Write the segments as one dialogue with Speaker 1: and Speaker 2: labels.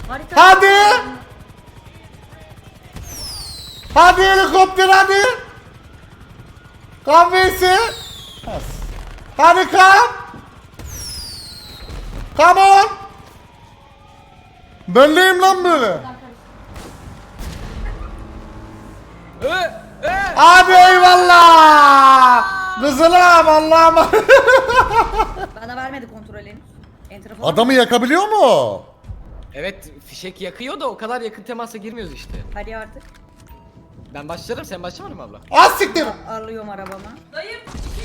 Speaker 1: Harita.
Speaker 2: Hadi. Hadi helikopter hadi. Kahvesi. Hadi kam. Come on. Böyleyim lan böyle. Hadi eyvallah. Kızılım Allah'ım.
Speaker 1: Bana vermedi kontrol henüz. Enter falan.
Speaker 2: Adamı yakabiliyor mu?
Speaker 3: Evet, fişek yakıyor da o kadar yakın temasa girmiyoruz işte.
Speaker 1: Hadi artık.
Speaker 3: Ben başlarım, sen başlamadın mı abla?
Speaker 2: Az siktir.
Speaker 1: Alıyorum arabama.
Speaker 4: Dayım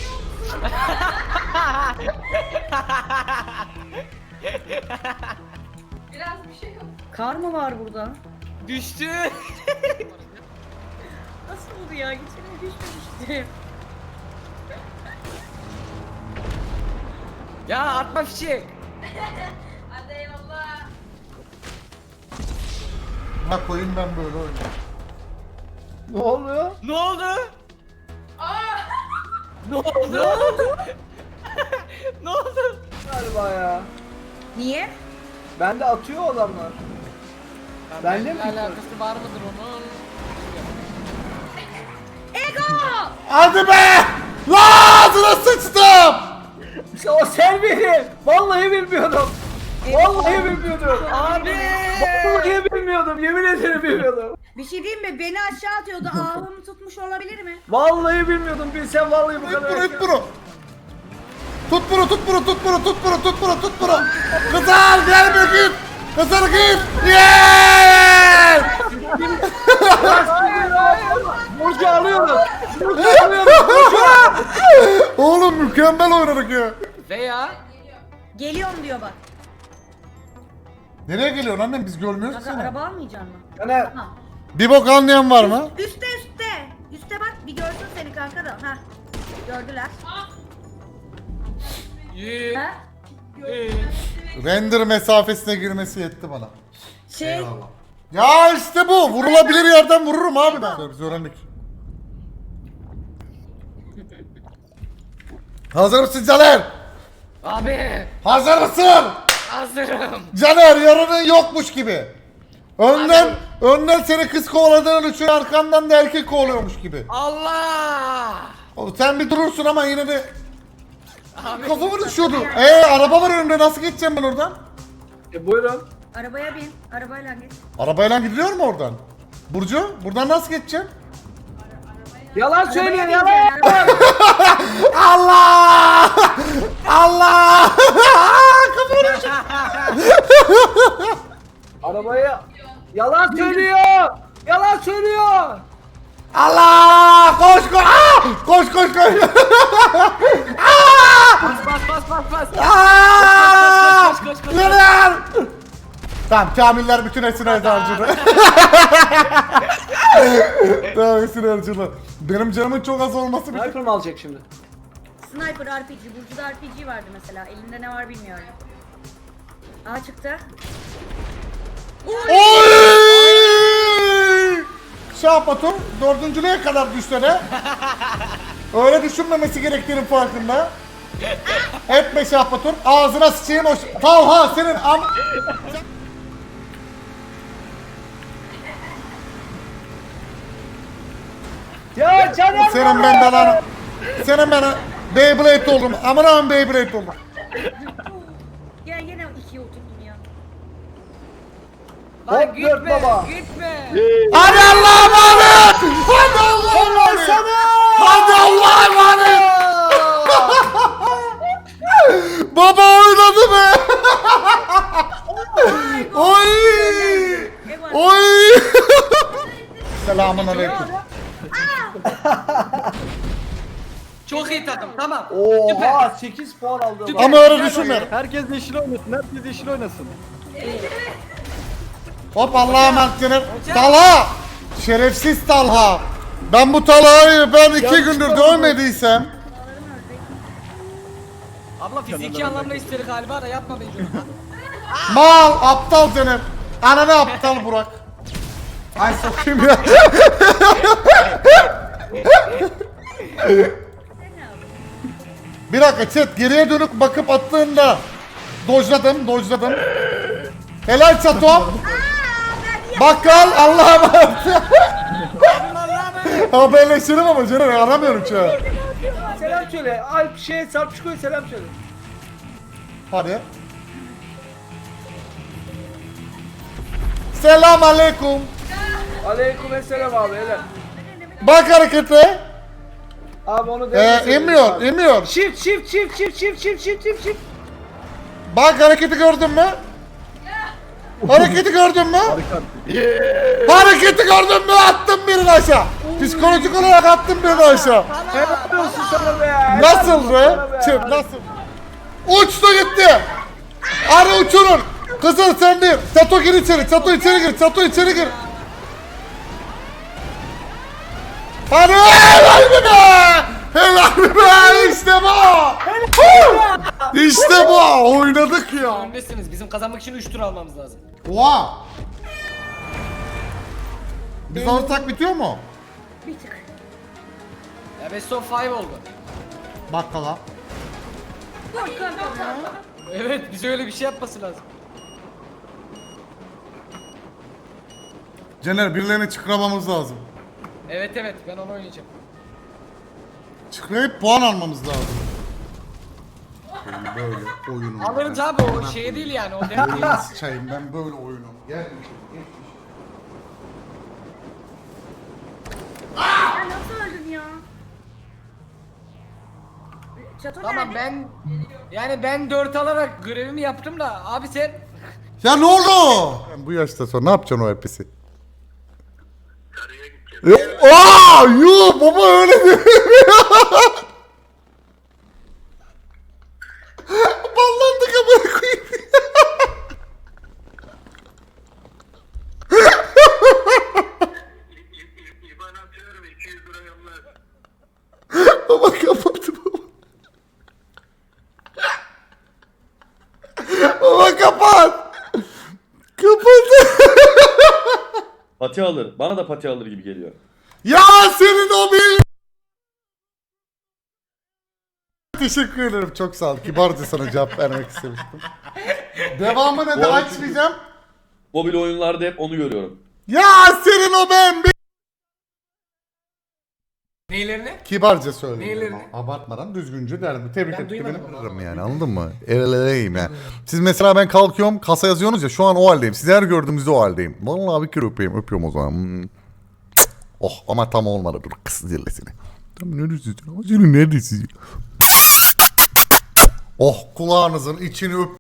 Speaker 4: biraz bir şey yok.
Speaker 1: Kar mı var burada?
Speaker 3: Düştü.
Speaker 1: Nasıl oldu ya? Geçelim düşmemiştim.
Speaker 3: Ya atma fişek.
Speaker 4: Hadi eyvallah.
Speaker 2: Ha koyayım ben böyle oynuyorum.
Speaker 5: Ne oluyor?
Speaker 3: Ne oldu?
Speaker 4: Aa!
Speaker 3: Ne oldu? Ne oldu?
Speaker 5: Galiba ya.
Speaker 1: Niye?
Speaker 5: Bende atıyor adamlar. Benle mi
Speaker 3: Benimle
Speaker 5: gitti?
Speaker 3: alakası var mıdır onun?
Speaker 1: Ego!
Speaker 2: Hadi be! La ağzına sıçtım!
Speaker 5: İşte o sen beni. Vallahi bilmiyordum. Vallahi bilmiyordum.
Speaker 3: Abi!
Speaker 5: Vallahi bilmiyordum. Yemin ederim bilmiyordum.
Speaker 1: Bir şey diyeyim mi? Beni aşağı atıyordu. Ahımı tutmuş olabilir mi?
Speaker 5: Vallahi bilmiyordum. Bilsem vallahi bu
Speaker 2: Tut
Speaker 5: kadar.
Speaker 2: bunu, tut bunu. Tut bunu, tut bunu, tut bunu, tut bunu, tut bunu, tut bunu. Kızar, gel bir git. Kızar git. Yeah!
Speaker 5: Burcu alıyorum. Burcu alıyorum.
Speaker 2: Oğlum mükemmel oynadık ya.
Speaker 3: Veya
Speaker 1: Geliyorum diyor bak.
Speaker 2: Nereye geliyorsun annem? Biz görmüyoruz ki
Speaker 1: Kanka
Speaker 2: seni.
Speaker 1: araba almayacaksın mı?
Speaker 5: Yani
Speaker 1: Ha.
Speaker 2: Bir bok anlayan var mı?
Speaker 1: Üste üste. Üste bak bir görsün seni kanka da. Ha. Gördüler.
Speaker 3: Yee.
Speaker 1: Ha?
Speaker 2: Render mesafesine girmesi yetti bana.
Speaker 1: Şey.
Speaker 2: Ya işte bu. Vurulabilir yerden vururum abi ben. Biz öğrendik. Hazır mısın Caner?
Speaker 3: Abi!
Speaker 2: Hazır mısın?
Speaker 3: Hazırım.
Speaker 2: Caner yarının yokmuş gibi. Önden seni kız kovaladığın için arkandan da erkek kovalıyormuş gibi.
Speaker 3: Allah!
Speaker 2: Oğlum sen bir durursun ama yine de
Speaker 3: Abi.
Speaker 2: kafamı düşüyordu. Araba var önümde nasıl geçeceğim ben oradan?
Speaker 5: buyurun.
Speaker 1: Arabaya bin. Arabayla git.
Speaker 2: Arabayla gidiliyor mu oradan? Burcu buradan nasıl geçeceğim?
Speaker 5: Yalan söylüyor
Speaker 1: Arabaya
Speaker 5: yalan.
Speaker 1: bineceksin, arabaya.
Speaker 2: Allah! Allah! Kafamı düşürdü.
Speaker 5: Arabaya yalan söylüyor. Yalan söylüyor.
Speaker 2: Allah! Koş koş! Koş koş koş!
Speaker 3: Bas.
Speaker 2: Aa!
Speaker 3: Koş, koş, koş.
Speaker 2: Nereye? Tamam Kamiller bütün esir harcadı. Tamam esir harcadı. Benim canımın çok az olması bir
Speaker 5: Sniper mı alacak şimdi?
Speaker 1: Sniper RPG. Burcu'da RPG vardı mesela. Elinde ne var bilmiyorum. Aa çıktı.
Speaker 2: Oy! Şahbatum dördüncülüğe kadar düşsene. Öyle düşünmemesi gerektiğinin farkında. Etme Şahbatum. Ağzına sıçayım o Talha senin
Speaker 5: Ya Caner.
Speaker 2: senin ben belanı. Senin ben Beyblade oldum. Aman aman Beyblade oldum.
Speaker 1: Ya yine ikiye oturdum ya.
Speaker 3: Lan
Speaker 5: Hop, dört baba.
Speaker 3: Gitme.
Speaker 2: Hadi Allah'a emanet. Hadi Allah'a emanet. Hadi Allah'a emanet. Baba oynadı be. Oy. Oy. Selamun aleyküm.
Speaker 3: Çok iyi takım, tamam.
Speaker 5: Oha 8 puan aldı.
Speaker 3: Süper.
Speaker 2: Ama öyle düşünme.
Speaker 6: Herkes yeşil oynasın, herkes yeşil oynasın.
Speaker 2: Hop Allah'a emanet canım. Talha. Şerefsiz Talha. Ben bu Talha'yı ben 2 gündür dövmediysem.
Speaker 3: Abla fiziki anlamda istedi galiba da yapma bence.
Speaker 2: Mal aptal canım. Ananı aptal Burak. Ay sokayım ya. Bir dakika chat geriye dönüp bakıp attığında dojladım. Helal çatom. Bakkal Allah'a emanet. Haberleşelim ama Ceren aramıyorum şu an.
Speaker 5: Selam söyle. Alp Sarpçıko'ya selam söyle.
Speaker 2: Hadi. Selam aleyküm.
Speaker 5: Aleykümselam abi helal.
Speaker 2: Bak harekete.
Speaker 5: Abi onu denemeseydin
Speaker 2: Emiyor,
Speaker 5: abi.
Speaker 2: emiyor.
Speaker 5: Shift.
Speaker 2: Bak hareketi gördün mü? Hareketi gördün mü? Hareketi gördün mü? Attım birini aşağı. Psikolojik olarak attım birini aşağı.
Speaker 5: Helal olsun sana be. Helal
Speaker 2: Nasıl
Speaker 5: olsun
Speaker 2: be?
Speaker 5: sana be.
Speaker 2: Çık nasıl? Uçtu gitti. Arı uçurun. Kızıl sen değil. Çato gir içeri. Çato içeri gir. Çato içeri gir. Hadi helal mi be? Helal mi be? İşte bu. İşte bu. Oynadık ya.
Speaker 3: Öndesiniz. Bizim kazanmak için 3 tur almamız lazım.
Speaker 2: Oha. Biz alırsak bitiyor mu?
Speaker 1: Bir tık.
Speaker 3: Ya best of 5 oldu.
Speaker 2: Bakkala.
Speaker 3: Evet bize öyle bir şey yapması lazım.
Speaker 2: Caner birilerini çıkramamız lazım.
Speaker 3: Evet ben onu oynayacağım.
Speaker 2: Çıkrayıp puan almamız lazım. Ben böyle oyunum.
Speaker 3: Alırız abi o şey değil yani o dert değil.
Speaker 2: Nasıl çayım ben böyle oyunum. Gel.
Speaker 1: Ya nasıl öldün ya? Çato
Speaker 3: Tamam
Speaker 1: nerede?
Speaker 3: ben 4 alarak görevimi yaptım da abi sen
Speaker 2: Ya ne oldu? Bu yaşta sonra ne yapacaksın o hepsi? Aa, yuh baba öyle değil. Ballandık amına koyayım.
Speaker 7: İban atıyorum 200 lira yolla.
Speaker 2: Baba kapattı baba. Baba kapat. Kapat.
Speaker 8: Pati alır. Bana da pati alır gibi geliyor.
Speaker 2: Ya senin o bir... Teşekkür ederim çok sağ ol. Kibarca sana cevap vermek istemiştim. Devamını da
Speaker 8: Bu arada
Speaker 2: açmayacağım.
Speaker 8: Mobil oyunlarda hep onu görüyorum.
Speaker 2: Ya senin o ben bir...
Speaker 3: neylerini?
Speaker 2: Kibarca söylüyorum.
Speaker 3: Neylerini?
Speaker 2: Abartmadan düzgünce derdim. Tebrik
Speaker 3: Ben
Speaker 2: ettik
Speaker 3: duymadım
Speaker 2: beni.
Speaker 3: onu.
Speaker 2: Kırarım yani anladın mı? Eleleyim yani. Siz mesela ben kalkıyorum kasa yazıyorsunuz ya şu an o haldeyim. Sizi her gördüğümüzde o haldeyim. Vallahi bir kere öpeyim. Öpüyorum o zaman. Oh ama tam olmadı. Dur kız zillesini. Tam neredesin? Senin neredesin? Oh kulağınızın içini öp.